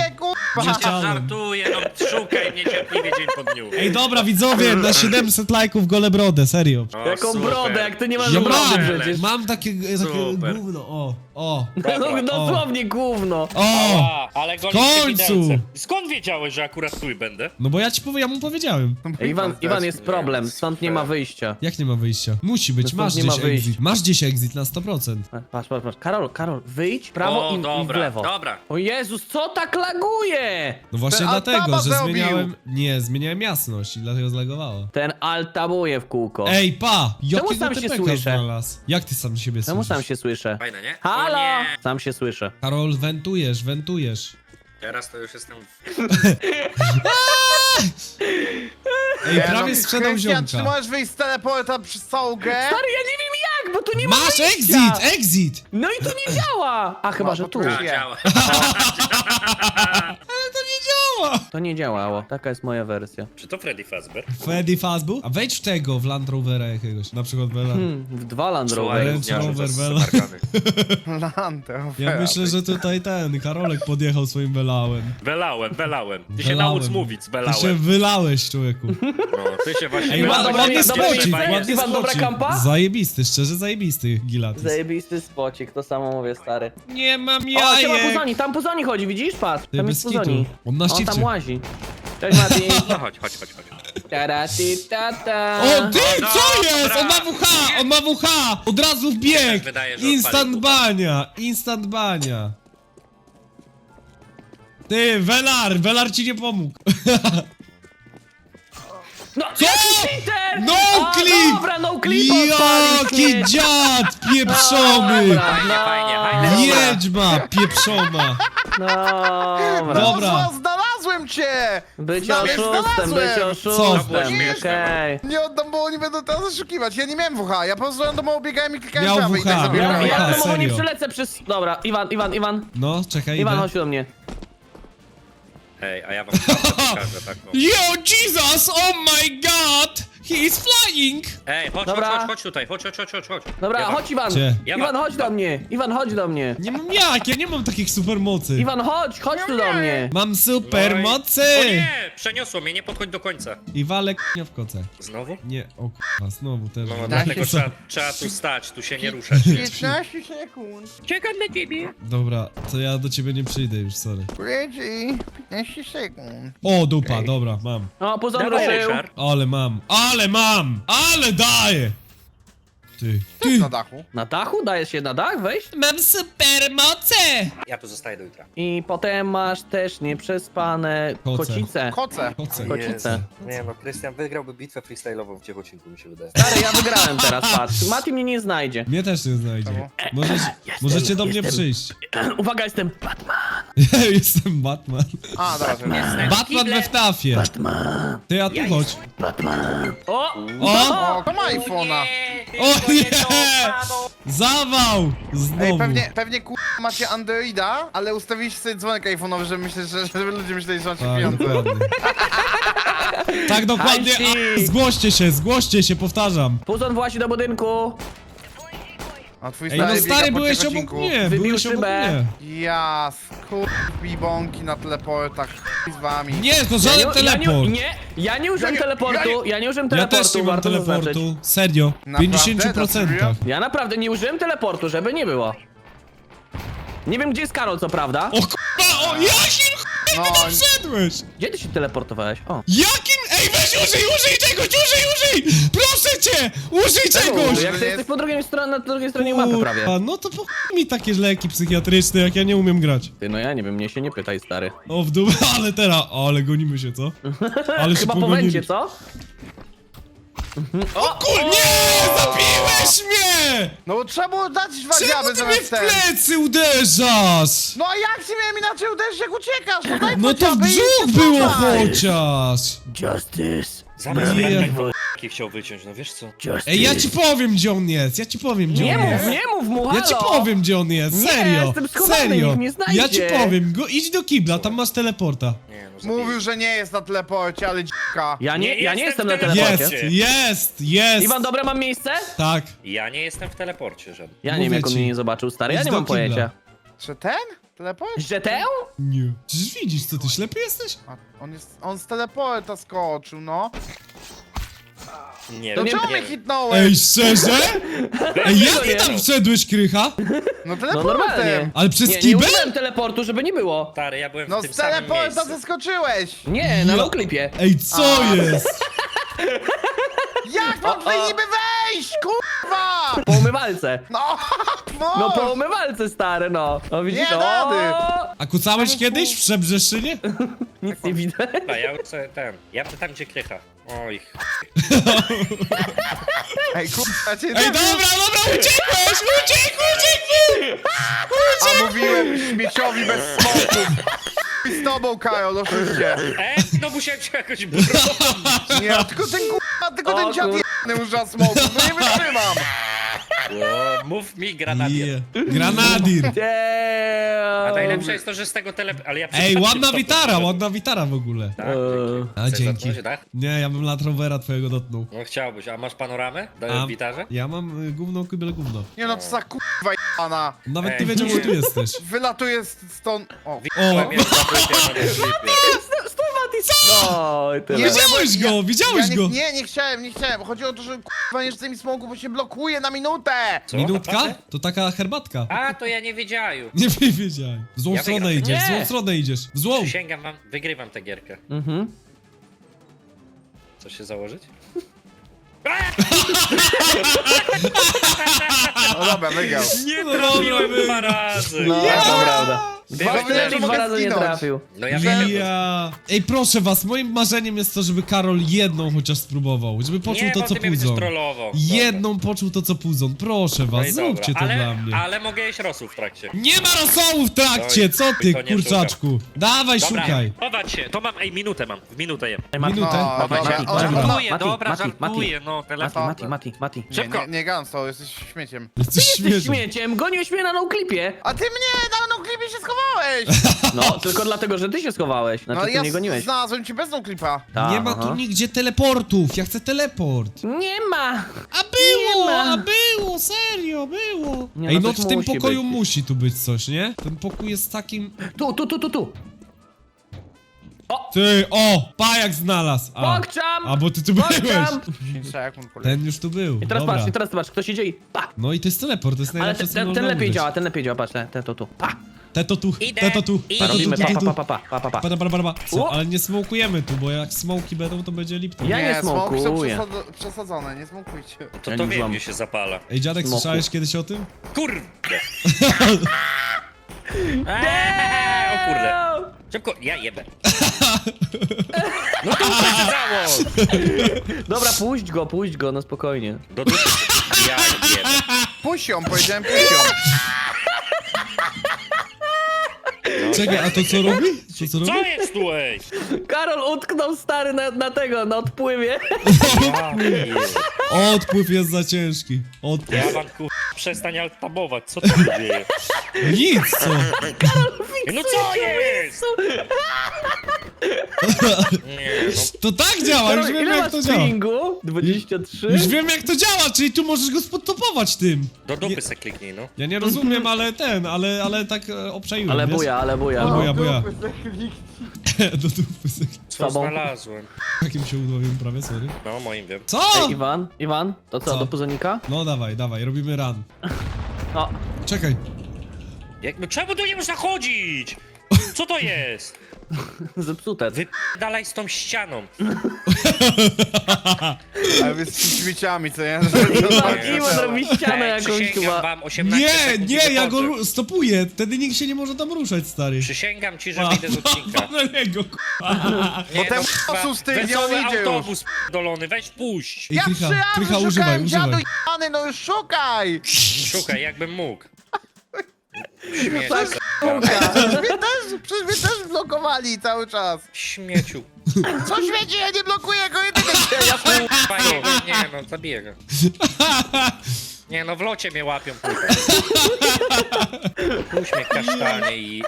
Speaker 1: Dziecianem.
Speaker 4: Żartuję, no szukaj mnie cierpliwie dzień po dniu.
Speaker 1: Ej, dobra, widzowie, na 700 lajków gole brodę, serio.
Speaker 4: O,
Speaker 3: Jaką
Speaker 4: super.
Speaker 3: brodę, jak ty nie masz
Speaker 1: Ja
Speaker 3: brody
Speaker 1: mam,
Speaker 3: przecież.
Speaker 1: mam takie
Speaker 4: Super.
Speaker 1: gówno, o.
Speaker 3: No, dosłownie gówno.
Speaker 1: O!
Speaker 4: A, ale go
Speaker 1: W końcu!
Speaker 4: Skąd wiedziałeś, że akurat tu będę?
Speaker 1: No bo ja mu powiedziałem.
Speaker 3: Iwan, jest problem, stąd nie ma wyjścia.
Speaker 1: Jak nie ma wyjścia? Musi być,
Speaker 3: No
Speaker 1: masz
Speaker 3: stąd nie
Speaker 1: gdzieś
Speaker 3: ma wyjść.
Speaker 1: exit. Masz gdzieś exit na 100%.
Speaker 3: Patrz. Karol, wyjdź w prawo
Speaker 4: O,
Speaker 3: i w
Speaker 4: dobra,
Speaker 3: lewo.
Speaker 4: dobra.
Speaker 3: O Jezus, co tak laguje?
Speaker 1: No właśnie
Speaker 2: Ten
Speaker 1: dlatego,
Speaker 2: Altaba
Speaker 1: że
Speaker 2: zrobił.
Speaker 1: zmieniałem jasność i dlatego zlagowało.
Speaker 3: Ten altabuje w kółko.
Speaker 1: Ej, pa! Jakiego
Speaker 3: sam się
Speaker 1: typeka
Speaker 3: słyszę?
Speaker 1: znalazł? Jak ty sam siebie
Speaker 3: Czemu
Speaker 1: słyszysz?
Speaker 3: sam się słyszę?
Speaker 4: Fajne, nie?
Speaker 3: Halo!
Speaker 4: O nie.
Speaker 3: Sam się słyszę.
Speaker 1: Karol, wentujesz.
Speaker 4: Teraz to już jestem...
Speaker 1: Ej, prawie sprzedał
Speaker 2: Krystian, czy
Speaker 1: ziomka.
Speaker 2: możesz wyjść z teleporta przez całą grę?
Speaker 3: Stary, ja nie wiem jak, bo tu nie ma
Speaker 1: Masz
Speaker 3: wyjścia.
Speaker 1: exit!
Speaker 3: No i to nie działa! A chyba,
Speaker 2: No,
Speaker 3: że
Speaker 2: bo
Speaker 3: tu.
Speaker 2: tu
Speaker 4: A, działa.
Speaker 1: Ale to nie działa!
Speaker 3: To nie działało. Taka jest moja wersja.
Speaker 4: Czy to Freddy Fazbear?
Speaker 1: Freddy Fazbear? A wejdź w tego, w Land Rovera jakiegoś, na przykład Vela.
Speaker 3: W 2 Land
Speaker 4: Słuchaj,
Speaker 3: Rovery.
Speaker 1: Range
Speaker 4: gówniarzu, to
Speaker 1: Rover,
Speaker 4: jest
Speaker 1: Vela.
Speaker 4: smarkany.
Speaker 2: Lantę,
Speaker 1: Ja myślę, że tutaj Karolek podjechał swoim Velałem.
Speaker 4: Belałem. Ty się
Speaker 1: Belałem.
Speaker 4: naucz mówić,
Speaker 1: Ty się
Speaker 4: belałem.
Speaker 1: wylałeś, człowieku.
Speaker 4: No, ty się właśnie...
Speaker 1: Ej,
Speaker 3: Iwan, dobra,
Speaker 1: ładny
Speaker 3: dobra,
Speaker 1: spocik,
Speaker 3: Iwan,
Speaker 1: ładny
Speaker 3: Iwan, dobra
Speaker 1: spocik.
Speaker 3: kampa?
Speaker 1: Zajebisty, szczerze zajebisty, Gilatis.
Speaker 3: Zajebisty spocik, to samo mówię, stary.
Speaker 1: Nie mam
Speaker 3: O, siema
Speaker 1: jajek!
Speaker 3: Puzoni, tam Puzoni chodzi, widzisz? Patrz,
Speaker 1: Ty,
Speaker 3: tam
Speaker 1: bez
Speaker 3: jest Puzoni.
Speaker 1: kitu. On na
Speaker 3: On
Speaker 1: szczycie.
Speaker 3: tam łazi. Cześć Mati.
Speaker 4: No chodź.
Speaker 3: Tara-ti-ta-ta.
Speaker 1: O, ty,
Speaker 4: No,
Speaker 1: co
Speaker 4: dobra.
Speaker 1: jest? On ma WH! Od razu w
Speaker 4: Mi
Speaker 1: bieg!
Speaker 4: też wydaje, że
Speaker 1: Instant
Speaker 4: odpalił
Speaker 1: bania! Instant bania! Ty, Velar ci nie pomógł.
Speaker 3: No,
Speaker 1: Co?
Speaker 3: jaki cheater!
Speaker 1: No
Speaker 3: A,
Speaker 1: clip!
Speaker 3: Dobra, no clip odpalił,
Speaker 1: Jaki
Speaker 3: śmieć.
Speaker 1: dziad pieprzony!
Speaker 3: Dobra,
Speaker 4: Fajnie.
Speaker 1: Wiedźma pieprzona!
Speaker 3: Dobra.
Speaker 1: Dobra.
Speaker 2: Znalazłem cię!
Speaker 3: Być
Speaker 2: Znalazłem.
Speaker 3: oszustem, być
Speaker 1: Co?
Speaker 3: oszustem,
Speaker 2: Nie,
Speaker 3: okej.
Speaker 2: Nie oddam, bo oni będą teraz zaszukiwać. Ja nie miałem WH, ja po prostu randomowo biegałem i klikałem
Speaker 1: Miał
Speaker 2: prawy i
Speaker 1: WH,
Speaker 2: tak
Speaker 1: miał
Speaker 2: zabierałem.
Speaker 1: WH.
Speaker 3: Ja
Speaker 1: Aha,
Speaker 3: domowo nie
Speaker 1: serio.
Speaker 3: przylecę przez... Dobra, Iwan,
Speaker 1: No, czekaj,
Speaker 3: Iwan,
Speaker 1: idę.
Speaker 3: chodź do mnie.
Speaker 4: Ej, a ja wam pokażę taką.
Speaker 1: Yo, Jesus! Oh my god! He is flying!
Speaker 4: Ej,
Speaker 3: Dobra.
Speaker 4: chodź tutaj, chodź.
Speaker 3: Dobra,
Speaker 4: Ja wam-
Speaker 3: chodź Iwan.
Speaker 1: Gdzie?
Speaker 4: Ja
Speaker 3: Iwan,
Speaker 4: wam-
Speaker 3: chodź do mnie. Iwan, chodź do mnie.
Speaker 1: Nie mam jak, ja nie mam takich supermocy.
Speaker 3: Iwan, chodź tu do mnie.
Speaker 1: Mam supermocy!
Speaker 4: O nie, przeniosło mnie, nie podchodź do końca.
Speaker 1: I walę k***a w koce.
Speaker 4: Znowu?
Speaker 1: Nie, o k***a, znowu też.
Speaker 4: No,
Speaker 2: Tak.
Speaker 4: dlatego trzeba tu stać, tu się nie ruszać.
Speaker 2: 15 sekund.
Speaker 4: Czekam na ciebie.
Speaker 1: Dobra, to ja do ciebie nie przyjdę już, sorry.
Speaker 2: Reggie, 15 sekund.
Speaker 1: O, dupa, dobra, mam.
Speaker 3: O, Puzon
Speaker 4: Dawaj,
Speaker 3: ruszył.
Speaker 4: Ryszard.
Speaker 1: Ale daję! Ty.
Speaker 2: Na dachu.
Speaker 3: Na dachu? Dajesz się na dach wejść?
Speaker 1: Mam supermoce!
Speaker 4: Ja tu zostaję do jutra.
Speaker 3: I potem masz też nieprzespane
Speaker 1: Koce.
Speaker 3: kocice.
Speaker 2: Koce.
Speaker 1: Koce.
Speaker 3: Kocice.
Speaker 4: Nie no, Krystian wygrałby bitwę freestyle'ową w Ciechocinku, mi się wydaje.
Speaker 3: Stary, ja wygrałem teraz, patrz. Mati mnie nie znajdzie.
Speaker 1: Mnie też nie znajdzie.
Speaker 2: Czemu?
Speaker 1: Możecie do mnie
Speaker 3: jestem.
Speaker 1: przyjść.
Speaker 3: Uwaga, jestem Batman.
Speaker 1: Ja jestem Batman.
Speaker 2: A, dobra.
Speaker 1: Batman we wtafie.
Speaker 3: Batman.
Speaker 1: Ty, a tu chodź.
Speaker 3: Batman. O!
Speaker 1: O!
Speaker 2: O, to ma iPhone'a.
Speaker 1: O nie! Zawał!
Speaker 2: Ej,
Speaker 1: Znowu.
Speaker 2: pewnie macie Androida, ale ustawiliście sobie dzwonek iPhone'owy, żeby myśleć, żeby ludzie myśleli, że macie
Speaker 1: Tak,
Speaker 2: pieniądze.
Speaker 1: dokładnie. Tak, dokładnie.
Speaker 3: Hajsi.
Speaker 1: Zgłoście się, powtarzam.
Speaker 3: Puzon włazi do budynku.
Speaker 2: A twój
Speaker 1: Ej, no
Speaker 2: biega
Speaker 1: stary,
Speaker 2: po
Speaker 1: byłeś obok
Speaker 2: Ciechocinku.
Speaker 1: mnie,
Speaker 3: Wybił
Speaker 1: byłeś obok
Speaker 3: szybę.
Speaker 1: mnie.
Speaker 2: Ja, bąki na teleportach, z wami.
Speaker 1: Nie, to żaden teleport.
Speaker 3: Ja nie użyłem
Speaker 2: Ja nie-
Speaker 3: teleportu, ja nie użyłem
Speaker 1: Ja
Speaker 3: teleportu,
Speaker 1: też nie mam
Speaker 3: warto zaznaczyć.
Speaker 1: teleportu. Serio. W
Speaker 2: Naprawdę?
Speaker 1: 50%.
Speaker 3: Ja naprawdę nie użyłem teleportu, żeby nie było. Nie wiem, gdzie jest Karol, co prawda.
Speaker 1: O k***a, o jakim
Speaker 2: No,
Speaker 1: k***a ty wszedłeś?
Speaker 3: Gdzie ty się teleportowałeś? O.
Speaker 1: Jakim? Ej, weź użyj czegoś, użyj! Proszę cię, użyj czegoś!
Speaker 3: Jak ty jesteś po drugiej stronie, na drugiej stronie mapy prawie.
Speaker 1: Kurwa, no to po chuj mi takie leki psychiatryczne, jak ja nie umiem grać.
Speaker 3: Ty, no ja nie wiem, mnie się nie pytaj, stary.
Speaker 1: O, w dół, ale teraz, ale gonimy się, co? Ale się
Speaker 3: Chyba po
Speaker 1: pogonili.
Speaker 3: węcie, co?
Speaker 1: Kur... Nie! Zabiłeś mnie!
Speaker 2: no bo trzeba było dać dwa
Speaker 1: Czemu
Speaker 2: diaby
Speaker 1: ty mnie
Speaker 2: zamiast
Speaker 1: w
Speaker 2: ten.
Speaker 1: plecy uderzasz?
Speaker 2: No a jak ci miałem inaczej uderzyć, jak uciekasz? No daj
Speaker 1: No
Speaker 2: po
Speaker 1: to w
Speaker 2: diaby i
Speaker 1: brzuch
Speaker 2: się
Speaker 1: było
Speaker 2: cofaj.
Speaker 1: chociaż!
Speaker 3: Justice.
Speaker 4: Zamiast
Speaker 1: Nie.
Speaker 4: mnie tak chciał wyciąć, no wiesz co?
Speaker 3: Justice.
Speaker 1: Ej, ja ci powiem, gdzie on jest,
Speaker 3: Nie mów mu, halo!
Speaker 1: Ja ci powiem, gdzie on jest,
Speaker 3: Nie,
Speaker 1: serio,
Speaker 3: jestem schowany,
Speaker 1: serio.
Speaker 3: nikt mnie znajdzie.
Speaker 1: Ja ci powiem, idź do kibla, tam masz teleporta.
Speaker 4: Nie no, zabiję.
Speaker 2: Mówił, że nie jest na teleporcie, ale dzika.
Speaker 3: Ja nie
Speaker 4: jestem
Speaker 3: jestem
Speaker 4: w
Speaker 3: na
Speaker 4: teleporcie.
Speaker 3: teleporcie.
Speaker 1: Jest!
Speaker 3: Iwan, dobre mam miejsce?
Speaker 1: Tak.
Speaker 4: Ja nie jestem w teleporcie żadnym.
Speaker 3: Ja nie wiem,
Speaker 1: Mówię
Speaker 3: jak on
Speaker 1: ci.
Speaker 3: mnie nie zobaczył, stary, ja
Speaker 1: Idź
Speaker 3: nie
Speaker 1: do
Speaker 3: mam
Speaker 1: kibla.
Speaker 3: pojęcia.
Speaker 2: Czy ten? Teleport?
Speaker 3: Że tę?
Speaker 1: Nie. Przecież widzisz, co ty ślepy jesteś?
Speaker 2: A, on z teleporta skoczył, no.
Speaker 4: Nie
Speaker 2: To
Speaker 4: wiem,
Speaker 2: czemu
Speaker 4: nie
Speaker 2: mnie
Speaker 4: wiem.
Speaker 2: hitnąłem?
Speaker 1: Ej, szczerze? Ej, jak ty tam wszedłeś, Krycha?
Speaker 2: No
Speaker 3: No
Speaker 2: teleportem!
Speaker 3: normalnie.
Speaker 1: Ale przez
Speaker 3: Nie
Speaker 1: kibel?
Speaker 3: użyłem teleportu, żeby nie było.
Speaker 4: Stary, ja byłem
Speaker 2: No
Speaker 4: w tym
Speaker 2: z
Speaker 4: samym
Speaker 2: teleporta
Speaker 4: miejscu.
Speaker 2: zeskoczyłeś!
Speaker 3: Nie, na
Speaker 1: Ja-
Speaker 3: noclipie.
Speaker 1: Ej, co
Speaker 2: A.
Speaker 1: jest?
Speaker 2: Jak mam tutaj niby wejść, kurwa!
Speaker 3: Po umywalce.
Speaker 2: No,
Speaker 3: No po umywalce, stary, no. No widzisz,
Speaker 2: Nie rady.
Speaker 1: A kucałeś kiedyś w Przebrzeszynie?
Speaker 3: Nic nie widzę.
Speaker 4: Dobra, ja już sobie ja tam gdzie Krycha. Oj,
Speaker 2: Ej, kurwa, cię
Speaker 1: Ej, dobra, uciekłeś!
Speaker 2: A mówiłem śmieciowi bez smoków. I z tobą, Karol, oczywiście.
Speaker 4: no musiałem się jakoś bronić.
Speaker 2: Nie, tylko ten kurwa, tylko
Speaker 3: O,
Speaker 2: ten dziad
Speaker 3: kur-
Speaker 2: jebany używa smoków, no nie wytrzymam.
Speaker 4: O, mów mi granadier.
Speaker 1: Yeah. Granadir.
Speaker 4: A
Speaker 3: Damn.
Speaker 4: najlepsze jest to, że z tego ale ja
Speaker 1: Ej,
Speaker 4: przypadkiem
Speaker 1: ładna
Speaker 4: stopem
Speaker 1: witara,
Speaker 4: wszedłem.
Speaker 1: ładna witara w ogóle.
Speaker 4: Tak,
Speaker 1: A,
Speaker 4: Chcesz
Speaker 1: dzięki.
Speaker 4: zatknąć, tak?
Speaker 1: Nie, ja bym Land Rovera twojego dotknął.
Speaker 4: No chciałbyś, a masz panoramę?
Speaker 1: A,
Speaker 4: Dałem gitarze?
Speaker 1: ja mam gówno, kibel, gówno.
Speaker 2: Nie no, co za kurwa jebana.
Speaker 1: Nawet
Speaker 4: Ej,
Speaker 1: nie wiedział,
Speaker 4: nie.
Speaker 1: że tu jesteś.
Speaker 2: Wylatuje stąd... O.
Speaker 4: Widziałem jak zapytał na tym klipie.
Speaker 3: Stój, Mati, no i tyle.
Speaker 2: Nie,
Speaker 1: Widziałeś
Speaker 2: bo ja-
Speaker 1: go, widziałeś go.
Speaker 2: Nie chciałem. Chodzi o to, że kurwa nie rzucaj mi smoku, bo się blokuje na minutę.
Speaker 4: Co?
Speaker 1: Minutka?
Speaker 4: Naprawdę?
Speaker 1: To taka herbatka.
Speaker 4: A, to ja nie wiedziałem.
Speaker 1: Nie wiedziałem. W złą
Speaker 4: Ja
Speaker 1: stronę
Speaker 4: wygram.
Speaker 1: idziesz, w złą
Speaker 3: Nie.
Speaker 1: stronę idziesz. W złą.
Speaker 4: Przysięgam wam, wygrywam tę gierkę.
Speaker 3: Mhm.
Speaker 4: Co się założyć?
Speaker 2: No dobra, wygrał.
Speaker 4: Nie
Speaker 1: No
Speaker 4: trafiłem
Speaker 1: dobra,
Speaker 4: dwa razy.
Speaker 3: No,
Speaker 1: Ja!
Speaker 3: to prawda. Dwa
Speaker 4: Wiedziałem,
Speaker 3: strzelki,
Speaker 2: że
Speaker 3: dwa
Speaker 2: mogę
Speaker 3: razy nie
Speaker 2: zginąć.
Speaker 3: trafił.
Speaker 4: No ja wiem.
Speaker 1: Ja. Ej, proszę was, moim marzeniem jest to, żeby Karol jedną chociaż spróbował. Żeby poczuł
Speaker 4: Nie,
Speaker 1: to,
Speaker 4: bo
Speaker 1: co
Speaker 4: ty mnie będziesz
Speaker 1: Puzon.
Speaker 4: trollował.
Speaker 1: Jedną poczuł to, co Puzon. Proszę
Speaker 4: No
Speaker 1: was,
Speaker 4: i
Speaker 1: zróbcie to
Speaker 4: dobra.
Speaker 1: dla mnie.
Speaker 4: Ale mogę jeść rosół w trakcie.
Speaker 1: Nie ma rosołu w trakcie,
Speaker 4: Oj,
Speaker 1: co ty,
Speaker 4: to nie
Speaker 1: kurczaczku? Dawaj,
Speaker 4: Dobra,
Speaker 1: szukaj.
Speaker 4: chować się. To mam, minutę mam. W minutę jem.
Speaker 3: Ej, Mati,
Speaker 1: Minutę.
Speaker 2: No,
Speaker 3: Mati,
Speaker 2: dobra,
Speaker 3: Mati,
Speaker 2: o,
Speaker 3: Mati,
Speaker 2: dobra.
Speaker 4: Żartuję,
Speaker 3: Mati,
Speaker 4: dobra,
Speaker 3: Mati,
Speaker 4: żartuję, no telefon.
Speaker 3: Mati.
Speaker 4: Szybko.
Speaker 2: Nie Ganso, jesteś śmieciem.
Speaker 1: Jesteś
Speaker 3: Jesteś
Speaker 1: śmieszny.
Speaker 3: śmieciem, goniłeś mnie na noclipie.
Speaker 2: A ty mnie na noclipie się schowałeś!
Speaker 3: No, tylko dlatego, że ty się schowałeś. Znaczy,
Speaker 2: No
Speaker 3: ty
Speaker 2: ja
Speaker 3: nie goniłeś.
Speaker 2: znalazłem cię bez noclipa.
Speaker 3: Ta,
Speaker 1: Nie ma
Speaker 3: aha.
Speaker 1: tu nigdzie teleportów, ja chcę teleport.
Speaker 3: Nie ma.
Speaker 1: A było,
Speaker 3: Nie ma.
Speaker 1: a było, serio, było.
Speaker 3: Nie,
Speaker 1: Ej,
Speaker 3: no
Speaker 1: no
Speaker 3: coś
Speaker 1: w tym
Speaker 3: musi
Speaker 1: pokoju
Speaker 3: być.
Speaker 1: musi tu być coś, nie? Ten pokój jest takim...
Speaker 3: Tu.
Speaker 1: Ty, o, pajak znalazł.
Speaker 3: Pokczam!
Speaker 1: A, bo ty tu byłeś.
Speaker 3: Pokczam!
Speaker 2: 5 sekund, kurwa.
Speaker 1: Ten już tu był,
Speaker 3: I teraz
Speaker 1: dobra.
Speaker 3: patrz, teraz zobacz, kto się dzieje. Pa!
Speaker 1: No i to jest teleport, to jest
Speaker 3: Ale
Speaker 1: najlepsze, co
Speaker 3: ten
Speaker 1: można
Speaker 3: lepiej
Speaker 1: użyć.
Speaker 3: działa, patrz, ten to tu. Pa!
Speaker 1: Te to tu,
Speaker 4: Idę,
Speaker 1: te to tu,
Speaker 4: idę.
Speaker 1: te to tu,
Speaker 3: Robimy
Speaker 1: te to tu.
Speaker 3: pa.
Speaker 1: Para, para, para. Co?
Speaker 3: O!
Speaker 1: Ale nie smokujemy tu, bo jak smoki będą, to będzie lipton.
Speaker 3: Ja nie
Speaker 2: smoki są
Speaker 3: smokuję.
Speaker 2: przesadzone, nie smokujcie.
Speaker 4: To
Speaker 3: Ja
Speaker 4: to
Speaker 3: nie
Speaker 4: wiem,
Speaker 3: złam.
Speaker 4: gdzie się zapala.
Speaker 1: Ej, dziadek,
Speaker 3: Smoku.
Speaker 1: słyszałeś kiedyś o tym?
Speaker 4: Kurde! O kurde. Szybko, ja jebę. No to uprzesadzało!
Speaker 3: Dobra, puść go, no spokojnie.
Speaker 4: Do dupy. Ja jebę.
Speaker 2: Pusią, powiedziałem pusią.
Speaker 1: Czekaj, a to co robi? To co robi?
Speaker 4: Co jest tu, ej?
Speaker 3: Karol utknął stary na tego, na odpływie.
Speaker 4: Ja pier-
Speaker 1: Odpływ jest za ciężki. Odpływ.
Speaker 4: Ja wam ku... przestań altabować, co tu się dzieje?
Speaker 1: Nic, co?
Speaker 4: No co jest? Nie, no
Speaker 1: To tak działa, już
Speaker 3: Karol,
Speaker 1: wiem
Speaker 3: ile
Speaker 1: jak
Speaker 3: masz
Speaker 1: to działa.
Speaker 3: stringu? 23?
Speaker 1: Już wiem jak to działa, czyli tu możesz go spodtopować tym.
Speaker 4: do dupy se kliknij, no.
Speaker 1: Ja nie rozumiem, ale ale tak obczaiłem,
Speaker 3: Ale
Speaker 1: wiesz?
Speaker 3: buja.
Speaker 1: Ale buja. Do dupy sobie.
Speaker 4: Co
Speaker 3: Sobą.
Speaker 4: znalazłem?
Speaker 1: Jakim się udowiem prawie, sorry.
Speaker 4: No, moim wiem.
Speaker 1: Co?
Speaker 3: Ej, Iwan, to co,
Speaker 1: Co?
Speaker 3: do puzonika?
Speaker 1: No dawaj, robimy run.
Speaker 3: O,
Speaker 1: Czekaj.
Speaker 4: No czemu tu nie można chodzić? Co to jest?
Speaker 3: zepsute.
Speaker 4: Wypalaj z tą ścianą.
Speaker 2: Ale wy z śmieciami, co nie?
Speaker 3: Iwan robi ścianę
Speaker 4: Ej,
Speaker 3: jakąś
Speaker 4: przysięgam
Speaker 3: chyba.
Speaker 4: wam 18
Speaker 1: Nie,
Speaker 4: sekund i
Speaker 1: nie, ja go
Speaker 4: wychodzę.
Speaker 1: stopuję. Wtedy nikt się nie może tam ruszać, stary.
Speaker 4: Przysięgam ci, że wyjdę z odcinka.
Speaker 1: Na niego,
Speaker 4: Nie,
Speaker 2: ten
Speaker 4: kurwa,
Speaker 2: osus ty, nie
Speaker 4: wesoły
Speaker 2: on idzie już.
Speaker 4: autobus dolony, weź puść.
Speaker 1: Ej,
Speaker 2: Ja
Speaker 1: Krycha,
Speaker 2: 3
Speaker 1: Krycha,
Speaker 2: razy
Speaker 1: używaj,
Speaker 2: szukałem dziadu
Speaker 1: używaj.
Speaker 2: jebany, no już szukaj!
Speaker 4: Szukaj, jakbym mógł. Śmieciu,
Speaker 2: Przecież mnie też blokowali cały czas.
Speaker 4: śmieciu.
Speaker 2: Co świeci, ja nie blokuję go jedynie. Ja
Speaker 4: Kurwa, nie no, zabiję go. Nie no, w locie mnie łapią, kurwa. Uśmiech kasztanie i...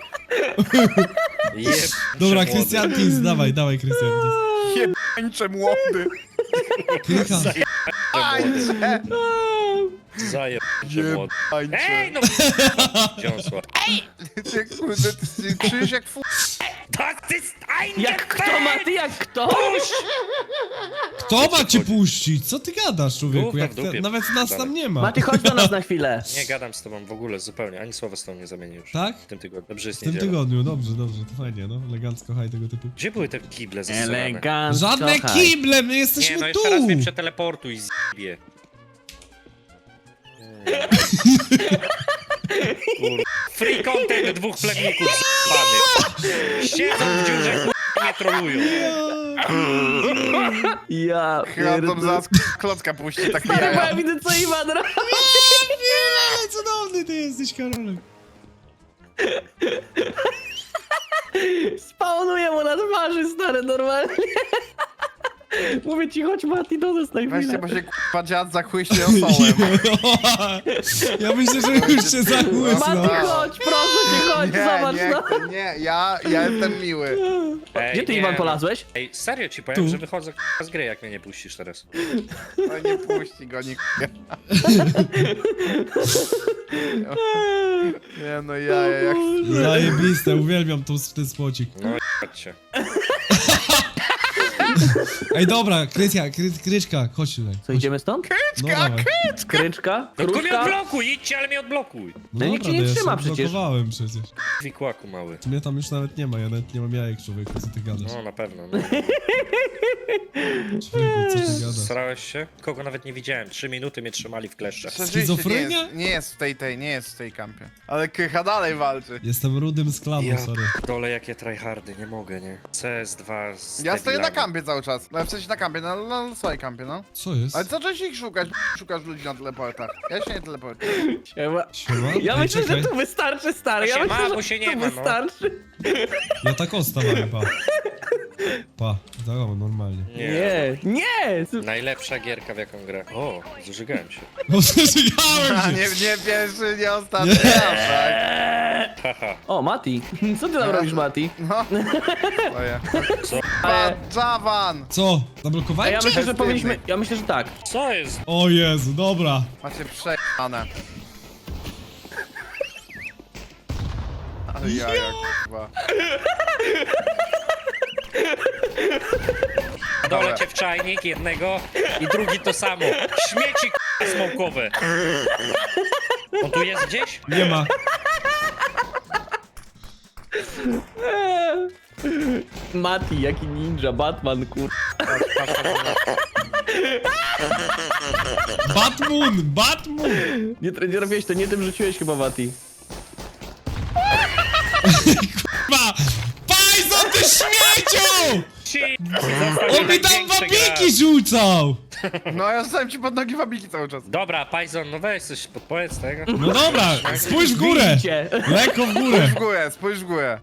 Speaker 4: Jeb...
Speaker 1: Dobra,
Speaker 4: przewody.
Speaker 1: Christian Kins, dawaj, Christian Kins.
Speaker 2: jebańcze młody.
Speaker 1: Krycha.
Speaker 2: Tańczę!
Speaker 4: Zajeb się młody.
Speaker 2: Tańczę.
Speaker 4: Ej, no! Dziąsła.
Speaker 2: Ty kurde, ty czujesz jak
Speaker 4: Tak, ty stajnie!
Speaker 3: Jak kto, Mati, jak kto?
Speaker 1: Kto ma cię puścić? Co ty gadasz, człowieku?
Speaker 4: Gówno
Speaker 1: Jak
Speaker 4: w dupie.
Speaker 1: nawet nas tam nie ma.
Speaker 3: Mati, chodź do nas na chwilę.
Speaker 4: Nie gadam z tobą w ogóle zupełnie, ani słowa z tobą nie zamienię już.
Speaker 1: Tak?
Speaker 4: W tym tygodniu. Dobrze jest
Speaker 1: W tym
Speaker 4: niedziela.
Speaker 1: tygodniu, dobrze, to fajnie, no. Elegancko, haj tego typu.
Speaker 4: Gdzie były te kible zasrane?
Speaker 3: Elegancko.
Speaker 1: Żadne
Speaker 3: haj.
Speaker 1: kible, my
Speaker 4: Nie,
Speaker 1: jesteśmy
Speaker 4: no
Speaker 1: tu!
Speaker 4: jeszcze raz mnie przeteleportuj, zjebie. Free content dwóch plemników zjebanych. Siedzą w dziurze, nie trolują.
Speaker 3: Ja
Speaker 2: chyba tam
Speaker 3: pierdolę.
Speaker 2: zaraz klocka puści, tak
Speaker 3: Stary, bo ja
Speaker 2: jaja.
Speaker 3: widzę, co Iwan robi.
Speaker 1: Ale cudowny ty jesteś, Karolek.
Speaker 3: Spawnuje mu na twarzy, stary, normalnie. Mówię ci, chodź Mati, do nas na
Speaker 2: Weźcie,
Speaker 3: chwilę.
Speaker 2: bo się k***a dziad zachłyśnie osobem.
Speaker 1: Ja myślę, że już się zachłysnął.
Speaker 3: Mati, chodź, proszę cię, chodź, zobacz, no.
Speaker 2: nie, ja jestem miły.
Speaker 4: Ej,
Speaker 3: Gdzie ty,
Speaker 4: nie,
Speaker 3: Iwan,
Speaker 4: no.
Speaker 3: polazłeś?
Speaker 4: Ej, serio ci powiem,
Speaker 1: Tu.
Speaker 4: że wychodzę z gry, jak mnie nie puścisz teraz.
Speaker 2: No nie puści go nikt. Nie no jaja, jak...
Speaker 1: Zajebiste, uwielbiam ten spocik.
Speaker 4: No chodźcie.
Speaker 1: Ej, dobra, Kryczka, chodź tutaj.
Speaker 3: Co, idziemy stąd?
Speaker 1: No dawaj.
Speaker 3: Kryczka?
Speaker 4: No tylko mnie
Speaker 3: Kruszka?
Speaker 4: odblokuj, idźcie, ale mnie odblokuj.
Speaker 1: No
Speaker 3: nikt
Speaker 1: dobra,
Speaker 3: cię nie
Speaker 1: to ja
Speaker 3: trzyma
Speaker 1: się
Speaker 3: przecież.
Speaker 1: blokowałem przecież.
Speaker 4: Wikłaku mały.
Speaker 1: Mnie tam już nawet nie ma, ja nawet nie mam jajek, człowieku, co ty gadasz?
Speaker 4: No na pewno, no.
Speaker 1: Człowieku, co ty gadasz?
Speaker 4: Starałeś się? Kogo nawet nie widziałem. 3 minuty mnie trzymali w kleszczach.
Speaker 1: Schizofrenia?
Speaker 2: Nie jest w nie jest w tej kampie. Ale Krycha dalej walczy.
Speaker 1: Jestem rudym z klanu,
Speaker 4: Ja
Speaker 1: sorry.
Speaker 4: dole jakie tryhardy, nie mogę, nie? CS2 z
Speaker 2: Ja stoję na
Speaker 4: debilami.
Speaker 2: kampie cały czas. No w sensie na kampie, na swojej kampie, no.
Speaker 1: Co jest?
Speaker 2: Ale zacząłeś ich szukać, szukasz ludzi na teleportach. Ja się nie teleportuję.
Speaker 3: Siema.
Speaker 1: Siema?
Speaker 3: Ja
Speaker 1: Ej,
Speaker 3: myślę,
Speaker 1: czekaj.
Speaker 3: że tu wystarczy, stary. Ja
Speaker 4: Się
Speaker 3: myślę,
Speaker 4: ma,
Speaker 3: że
Speaker 4: bo się nie
Speaker 3: tu
Speaker 4: ma, no.
Speaker 3: wystarczy.
Speaker 1: Ja tak ostawałem, pa. Pa, tak normalnie.
Speaker 3: Nie!
Speaker 4: Najlepsza gierka w jaką grę. O, zużygałem się.
Speaker 1: No przeżygałem
Speaker 2: A
Speaker 1: się!
Speaker 2: nie pierwszy, nie ostatni raz, tak?
Speaker 4: Haha.
Speaker 3: O, Mati. Co ty tam robisz, Mati?
Speaker 2: No. Stoję.
Speaker 4: Co?
Speaker 3: Ale...
Speaker 2: Javan!
Speaker 1: Co?
Speaker 3: A
Speaker 1: Zablokowałem
Speaker 3: ja
Speaker 1: cię?
Speaker 3: myślę, że powinniśmy... Ja myślę, że tak.
Speaker 4: Co jest?
Speaker 1: O Jezu, dobra.
Speaker 2: Macie przejane. Ale jaja, kurwa.
Speaker 4: Dole cię w czajnik jednego i drugi to samo. Śmieci k***a smokowe. On tu jest gdzieś?
Speaker 1: Nie ma.
Speaker 3: Mati, jaki ninja, Batman, kur...
Speaker 1: Batmoon!
Speaker 3: Nie robiłeś to, nie tym rzuciłeś chyba, Mati.
Speaker 1: Ma! Pajzon, ty śmieciu!
Speaker 4: Ci!
Speaker 1: On mi tam wabiki rzucał!
Speaker 2: No ja zostałem ci pod nogi wabiki cały czas.
Speaker 4: Dobra, Pajzon, no weź coś podpowiedz tego.
Speaker 1: No dobra, spójrz w górę!
Speaker 3: Widzicie.
Speaker 1: Lekko w górę!
Speaker 2: Spójrz w górę.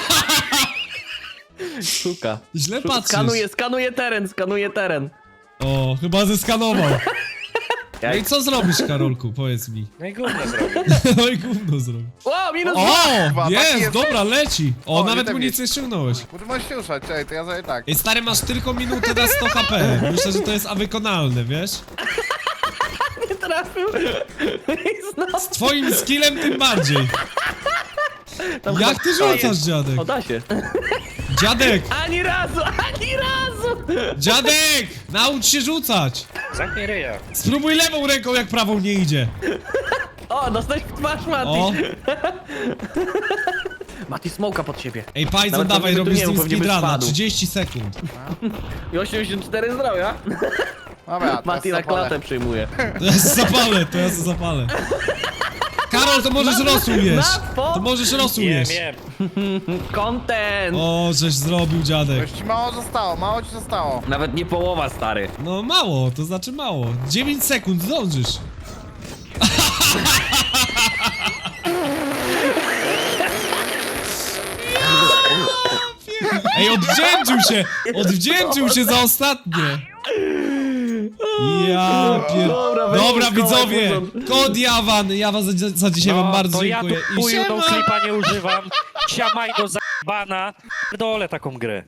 Speaker 3: Szuka.
Speaker 1: Źle patrzysz.
Speaker 3: Skanuje teren.
Speaker 1: O, chyba zeskanował. No
Speaker 3: Jak...
Speaker 1: i co zrobisz, Karolku? Powiedz mi.
Speaker 4: No i gówno zrobił.
Speaker 1: No i gówno zrobił.
Speaker 3: O, minus
Speaker 1: O!
Speaker 2: Taki
Speaker 1: Jest,
Speaker 2: jest.
Speaker 1: dobra, leci. O,
Speaker 2: O, nie
Speaker 1: nawet
Speaker 2: tak
Speaker 1: municję ściągnąłeś.
Speaker 2: Bo ty możesz się ruszać, czekaj, to ja zrobię tak.
Speaker 1: Ej, stary, masz tylko minutę na 100 HP. Myślę, że to jest wykonalne, wiesz?
Speaker 3: nie trafił. I znowu.
Speaker 1: Z twoim skillem tym bardziej.
Speaker 3: Tam
Speaker 1: Jak ty
Speaker 3: chyba-
Speaker 1: rzucasz, dziadek?
Speaker 3: O, da się.
Speaker 1: Dziadek!
Speaker 3: Ani razu!
Speaker 1: Dziadek! Naucz się rzucać!
Speaker 4: Zamknij ryja.
Speaker 1: Spróbuj lewą ręką, jak prawą nie idzie.
Speaker 3: O, dostałeś w twarz, Mati.
Speaker 1: O!
Speaker 3: Mati, smoka pod siebie.
Speaker 1: Ej, Pajzon,
Speaker 3: Nawet
Speaker 1: dawaj,
Speaker 3: pewnie tu
Speaker 1: robisz
Speaker 3: nie
Speaker 1: z nim
Speaker 3: mów, pewnie by
Speaker 1: speedruna.
Speaker 3: spadł.
Speaker 1: 30 sekund.
Speaker 3: I 84 zdrowia.
Speaker 2: Dobra,
Speaker 3: Mati na klatę przyjmuje.
Speaker 1: To ja se zapalę. Karol, to możesz rosół jeść. To możesz rosół
Speaker 4: Wiem,
Speaker 1: jeść.
Speaker 4: wiem.
Speaker 3: Content!
Speaker 1: O, żeś zrobił, dziadek.
Speaker 2: Już ci mało ci zostało.
Speaker 3: Nawet nie połowa, stary.
Speaker 1: No mało, to znaczy mało. 9 sekund, zdążysz. Ej, odwdzięczył się za ostatnie. Ja pier...
Speaker 3: Dobra, weź
Speaker 1: Dobra,
Speaker 3: szkołę,
Speaker 1: widzowie,
Speaker 3: Puzon.
Speaker 1: kod Jawan, ja was za dzisiaj wam bardzo
Speaker 4: to
Speaker 1: dziękuję.
Speaker 4: ja tu
Speaker 1: I
Speaker 4: chuju tą
Speaker 1: siema!
Speaker 4: klipa nie używam. Siamaj do za***bana. Dole taką grę.